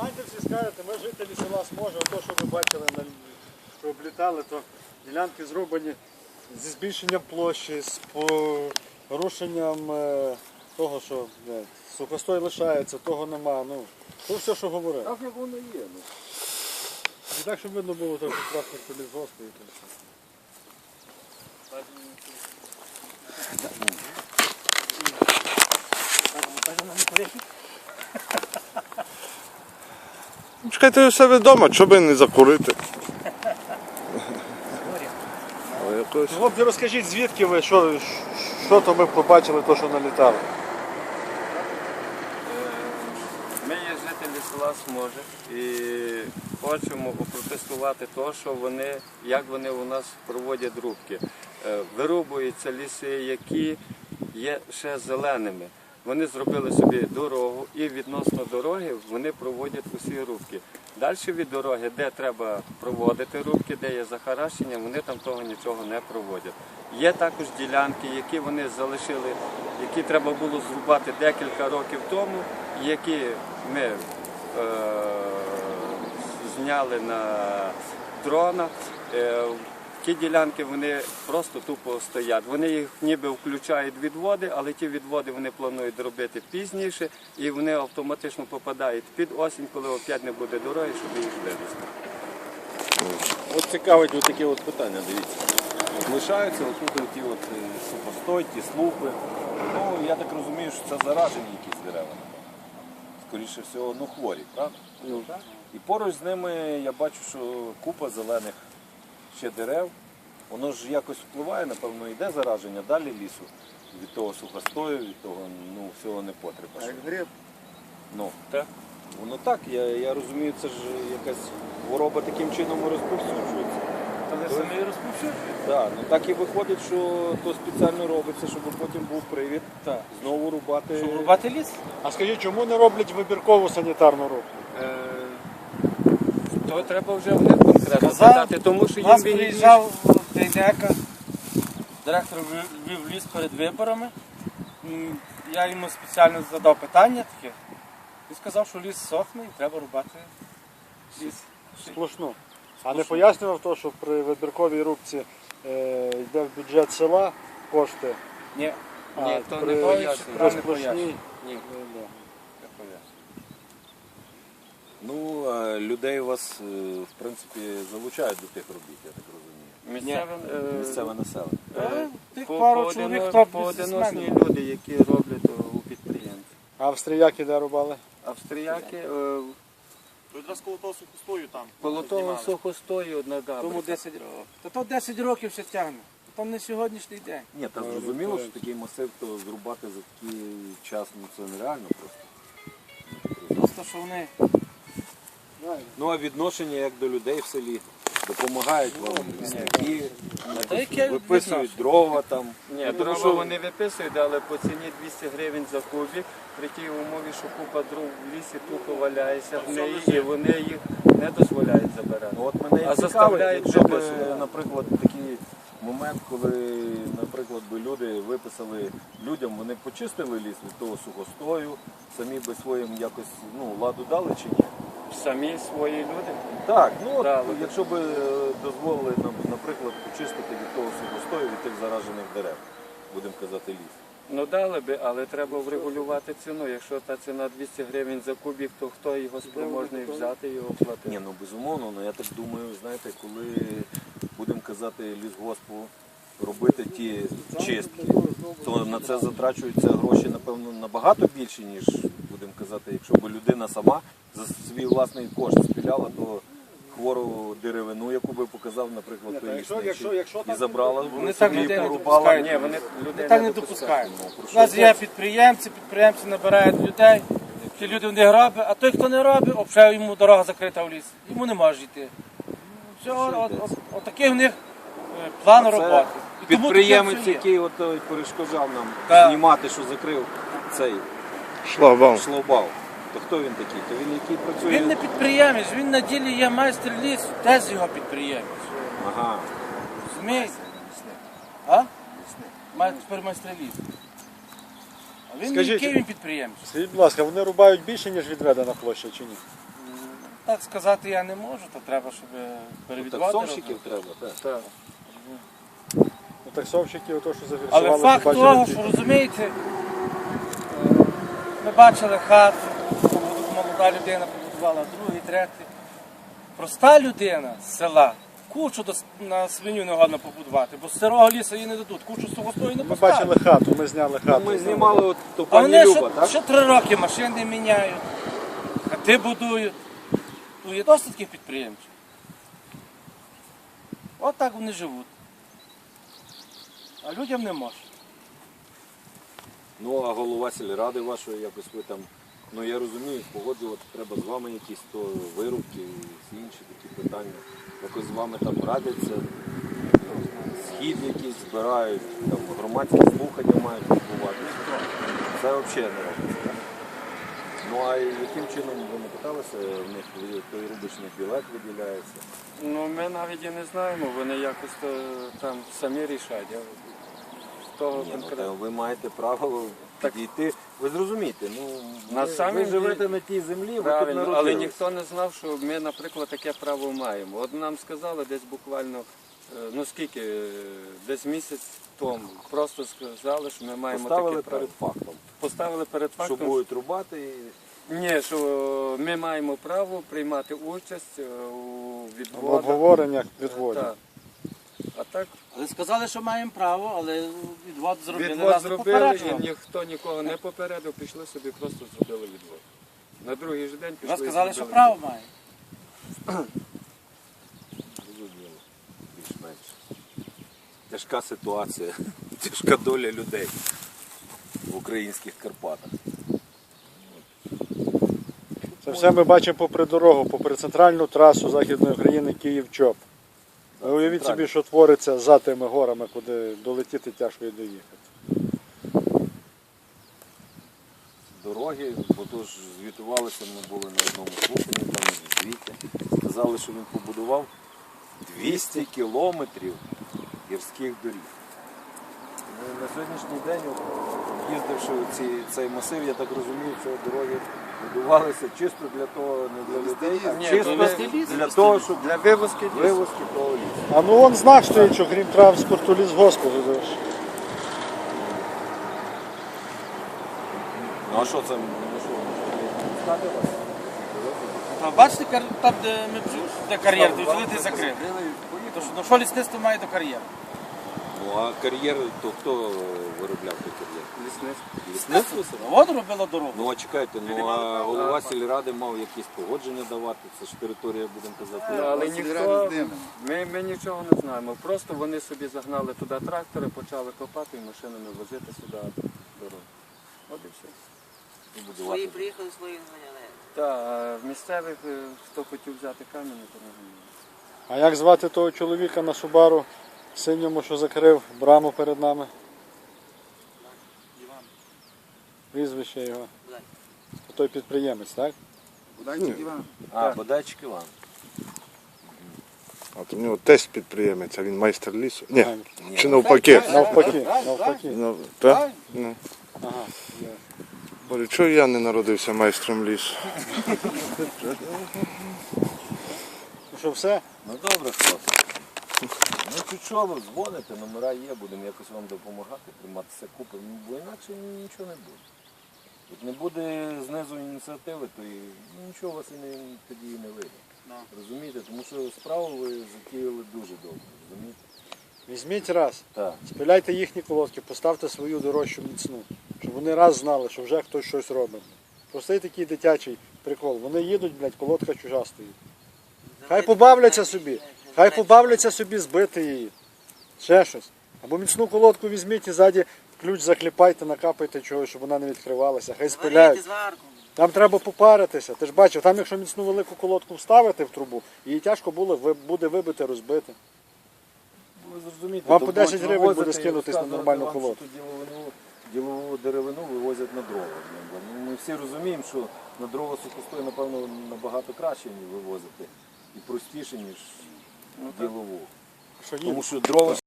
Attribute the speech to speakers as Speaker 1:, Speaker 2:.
Speaker 1: Станьте всі скажете, ми жителі села Сможа, то, що ви бачили, що облітали, то ділянки зроблені зі збільшенням площі, з порушенням того, що сухостой лишається, того нема. Ну, то все, що говорив.
Speaker 2: Так як воно є.
Speaker 1: І так, щоб видно було, то прекрасно лісгоспу і то все.
Speaker 3: Чекайте у себе вдома, що би не закурити.
Speaker 1: Хлопці, розкажіть, звідки ви, що то ми побачили, то, що налітало?
Speaker 4: Ми є жителі села Сможа і хочемо опротестувати те, що вони, як вони у нас проводять рубки. Вирубуються ліси, які є ще зеленими. Вони зробили собі дорогу і відносно дороги вони проводять усі рубки. Далі від дороги, де треба проводити рубки, де є захаращення, вони там того нічого не проводять. Є також ділянки, які вони залишили, які треба було зрубати декілька років тому, які ми зняли на дронах. Ті ділянки вони просто тупо стоять. Вони їх ніби включають відводи, але ті відводи вони планують робити пізніше і вони автоматично попадають під осінь, коли опять не буде дороги, щоб їх вивезти.
Speaker 2: От цікавить от таке от питання, дивіться. От лишаються отут ті от сухостой, ті слупи. Ну, я так розумію, що це заражені якісь дерева. Скоріше всього, ну хворі, правда?
Speaker 4: Ну, так.
Speaker 2: І поруч з ними я бачу, що купа зелених ще дерев. Воно ж якось впливає, напевно, йде зараження далі лісу від того сухостою, від того всього непотреба.
Speaker 1: А як гриб?
Speaker 2: Ну,
Speaker 4: Так.
Speaker 2: воно так, я розумію, це ж якась хвороба таким чином розповсюджується.
Speaker 4: Але самі розповсюджують.
Speaker 2: Так, ну так і виходить, що то спеціально робиться, щоб потім був привід знову рубати.
Speaker 5: Щоб рубати ліс?
Speaker 1: А скажіть, чому не роблять вибіркову санітарну рубку?
Speaker 4: То треба вже вони конкретно
Speaker 5: Сказав,
Speaker 4: питати, тому що
Speaker 5: У нас
Speaker 4: їм
Speaker 5: приїжджав Дейдека, директор вів ліс перед виборами. Я йому спеціально задав питання таке. І сказав, що ліс сохне і треба рубати ліс.
Speaker 1: Сплошну. А не пояснював то, що при вибірковій рубці йде в бюджет села кошти?
Speaker 5: Ні.
Speaker 4: Ні, то не
Speaker 1: при
Speaker 4: пояснює.
Speaker 1: сплошній?
Speaker 4: Ні.
Speaker 2: Ну, а людей у вас, в принципі, залучають до тих робіт, я так розумію. Місцеве населення.
Speaker 5: Тих пару чоловік, хто
Speaker 4: Поодиночні
Speaker 5: бізнесмени.
Speaker 4: люди, які роблять у підприємстві.
Speaker 1: А австріяки де рубали?
Speaker 4: Австріяки
Speaker 1: Якраз коло того сухостою там.
Speaker 4: полотово сухостою одна
Speaker 5: Тому
Speaker 4: габра.
Speaker 5: 10 років. То 10 років ще тягне. То не сьогоднішній день.
Speaker 2: Ні, та зрозуміло, що такий масив, то зрубати за такий час, це нереально просто.
Speaker 5: Просто що вони
Speaker 2: Ну, а відношення як до людей в селі? Допомагають вам лісники,
Speaker 5: Та яке
Speaker 2: виписують дрова там.
Speaker 4: Ні, дрова вони виписують, але по ціні 200 гривень за кубик, при тій умові, що купа дров в лісі тупо валяється в неї, і вони їх не дозволяють забирати.
Speaker 2: Ну, от мене і
Speaker 4: А
Speaker 2: цікавить,
Speaker 4: заставляють
Speaker 2: якщо б,
Speaker 4: виписувати.
Speaker 2: наприклад, такий момент, коли, наприклад, би люди виписали людям, вони почистили ліс від того сухостою, самі би своїм якось ладу дали чи ні?
Speaker 4: Самі свої люди.
Speaker 2: Так, ну
Speaker 4: Да,
Speaker 2: от, якщо б дозволили нам, наприклад, почистити від того сухостою, від тих заражених дерев, будемо казати, ліс.
Speaker 4: Ну дали би, але треба врегулювати ціну. Якщо та ціна 200 гривень за кубик, то хто його спроможний взяти і оплатити?
Speaker 2: Ні, ну безумовно, але я так думаю, знаєте, коли будемо казати лісгоспу робити ті чистки, то на це затрачуються гроші, напевно, набагато більше, ніж, будемо казати, якщо б людина сама за свій власний кошт спіляла, то хвору деревину, яку би показав, наприклад, той лісничий, і забрала,
Speaker 5: Вони так
Speaker 2: собі
Speaker 5: людей не
Speaker 2: порубала.
Speaker 5: допускають.
Speaker 4: Ні, вони людей
Speaker 5: так
Speaker 4: не
Speaker 5: не
Speaker 4: допускають.
Speaker 5: допускають. У нас є підприємці набирають людей, ті люди вони роблять, а той, хто не робить, взагалі йому дорога закрита в ліс. Йому не може йти. Все, отакий в них план роботи. І тому
Speaker 2: Підприємець,
Speaker 5: таке все є.
Speaker 2: який перешкоджав нам
Speaker 5: Так.
Speaker 2: знімати, що закрив цей
Speaker 3: Шлагбаум.
Speaker 2: шлагбаум. То хто він такий? То він який працює?
Speaker 5: Він не підприємець, він на ділі є майстер лісу, теж його підприємець.
Speaker 2: Ага.
Speaker 5: Розумієте? А? Тепер майстер лісу. А він
Speaker 1: Скажіть,
Speaker 5: який він підприємець?
Speaker 1: Скажіть, будь ласка, вони рубають більше, ніж відведена площа, чи ні?
Speaker 5: Так сказати я не можу, то треба, щоб перевідувати.
Speaker 2: Таксовщиків треба, так.
Speaker 4: Так.
Speaker 1: Ну, таксовщики, ото, що
Speaker 5: Але
Speaker 1: зафіксували,
Speaker 5: факт
Speaker 1: що
Speaker 5: того,
Speaker 1: бачили
Speaker 5: що розумієте, ми бачили хату, молода людина побудувала, другий, третій. Проста людина з села кучу на свиню не годно побудувати, бо з сирого лісу їй не дадуть, кучу з того стою не
Speaker 1: Ми
Speaker 5: поставлять.
Speaker 1: бачили хату, ми зняли хату.
Speaker 2: Ми знімали от ту
Speaker 5: А
Speaker 2: пані
Speaker 5: вони
Speaker 2: Люба, так?
Speaker 5: ще 3 роки машини міняють, хати будують. Ну, є досить таких підприємців. От так вони живуть. А людям не можна.
Speaker 2: Ну, а голова сільради вашої, якось ви там, ну я розумію, погоджувати треба з вами якісь то вирубки і інші такі питання. Якось з вами там радяться, схід якийсь збирають, там громадські слухання мають відбуватися. Це взагалі не робиться. Так? Ну а яким чином ви не питалися, в них той рубочний білет виділяється?
Speaker 4: Ну, ми навіть і не знаємо, вони якось то, там самі рішать. Того
Speaker 2: Ні, ну,
Speaker 4: конкретно.
Speaker 2: та ви маєте право підійти. Ви зрозумієте, ну
Speaker 4: На
Speaker 2: ви
Speaker 4: самім
Speaker 2: живете на тій землі, ви тут
Speaker 4: Правильно, але
Speaker 2: народились.
Speaker 4: ніхто не знав, що ми, наприклад, таке право маємо. От нам сказали десь буквально, ну скільки, десь місяць тому. Просто сказали, що ми маємо
Speaker 2: Поставили
Speaker 4: таке право.
Speaker 2: перед фактом,
Speaker 4: Поставили перед
Speaker 2: що
Speaker 4: фактом,
Speaker 2: будуть рубати.
Speaker 4: ні, що ми маємо право приймати участь у
Speaker 1: В
Speaker 4: відводах.
Speaker 1: обговореннях відводів.
Speaker 4: Так. А так
Speaker 5: Але сказали, що маємо право, але відвод зробили.
Speaker 4: відвод
Speaker 5: Нас не
Speaker 4: зробили
Speaker 5: попереджували.
Speaker 4: і ніхто нікого не попередив, пішли собі, просто зробили відвод. На другий ж день пішли.
Speaker 5: Нас сказали,
Speaker 4: і
Speaker 5: що
Speaker 4: зробили
Speaker 5: право
Speaker 4: відвод.
Speaker 5: має.
Speaker 2: Зрозуміло, більш-менш. Тяжка ситуація, тяжка доля людей в українських Карпатах.
Speaker 1: Це все ми бачимо попри дорогу, попри центральну трасу Західної України Київ-Чоп. Ви уявіть собі, що твориться за тими горами, куди долетіти тяжко і доїхати.
Speaker 2: Дороги, бо то ж звітувалися, ми були на одному слуханні, там в звіті. Сказали, що він побудував 200 кілометрів гірських доріг. Ну, на сьогоднішній день, от, їздивши у цей масив, я так розумію, що дороги будувалися чисто для того, не для людей, а
Speaker 4: Ні,
Speaker 2: чисто
Speaker 4: вести
Speaker 2: для того, щоб
Speaker 4: Для вивозки лісу.
Speaker 2: вивозки того лісу.
Speaker 1: А ну вон знак стоїть, що крім транспорту лісгоспу.
Speaker 2: Ну а що це? Ну, що, пускати вас?
Speaker 5: Там, бачите, там, де ми де кар'єр, то взяли і закрили. Ну що лісництво має до кар'єру?
Speaker 2: Ну а кар'єр, то хто виробляв той кар'єр?
Speaker 4: Лісництво.
Speaker 2: Лісництво себе?
Speaker 5: От робило дорогу.
Speaker 2: Ну а чекайте, ну а голова сільради мав якісь погодження давати, це ж територія, будемо казати.
Speaker 4: Ну, але ніхто, ми нічого не знаємо. Просто вони собі загнали туди трактори, почали копати і машинами возити сюди дорогу. От і все.
Speaker 6: Свої приїхали, свої зганяли.
Speaker 4: Так, а в місцевих, хто хотів взяти камінь, то не знаю.
Speaker 1: А як звати того чоловіка на Субару синьому, що закрив браму перед нами? Прізвище його. Той підприємець, так?
Speaker 2: А, Бодайчик Іван.
Speaker 3: От у нього тесть підприємець, а він майстер лісу. Ні,
Speaker 2: Ні,
Speaker 3: чи навпаки.
Speaker 1: Навпаки, навпаки.
Speaker 3: Ну, так? Ну.
Speaker 1: Ага.
Speaker 3: Говорю, чого я не народився майстром лісу?
Speaker 1: Ну що, все?
Speaker 2: Ну добре, хлопці. Ну чого ви дзвоните, номера є, будемо якось вам допомагати, прийматися купи, бо інакше нічого не буде. Як не буде знизу ініціативи, то і нічого у вас тоді і не вийде. Розумієте? Тому що справу ви затіяли дуже добре, розумієте?
Speaker 1: Візьміть раз,
Speaker 2: Так.
Speaker 1: спиляйте їхні колодки, поставте свою дорожчу міцну, щоб вони раз знали, що вже хтось щось робить. Простий такий дитячий прикол. Вони їдуть, блядь, колодка чужа стоїть. Хай побавляться собі, збити її. Ще щось. Або міцну колодку візьміть і ззаді ключ закліпайте, накапайте чогось, щоб вона не відкривалася. Хай спиляють.
Speaker 6: Варити зварку.
Speaker 1: Там треба попаритися. Ти ж бачив, там якщо міцну велику колодку вставити в трубу, її тяжко буде вибити, розбити.
Speaker 2: Ви зрозумієте,
Speaker 1: Вам
Speaker 2: то
Speaker 1: по 10
Speaker 2: будуть
Speaker 1: гривень
Speaker 2: вивозити
Speaker 1: буде
Speaker 2: і
Speaker 1: скинутись на
Speaker 2: розказувати
Speaker 1: нормальну
Speaker 2: вам, що
Speaker 1: колодку.
Speaker 2: тут ділову деревину вивозять на дрова. Ну, ми всі розуміємо, що на дрова сухостою, напевно, набагато краще ніж вивозити і простіше, ніж ділову.
Speaker 1: Що
Speaker 2: Тому що дрова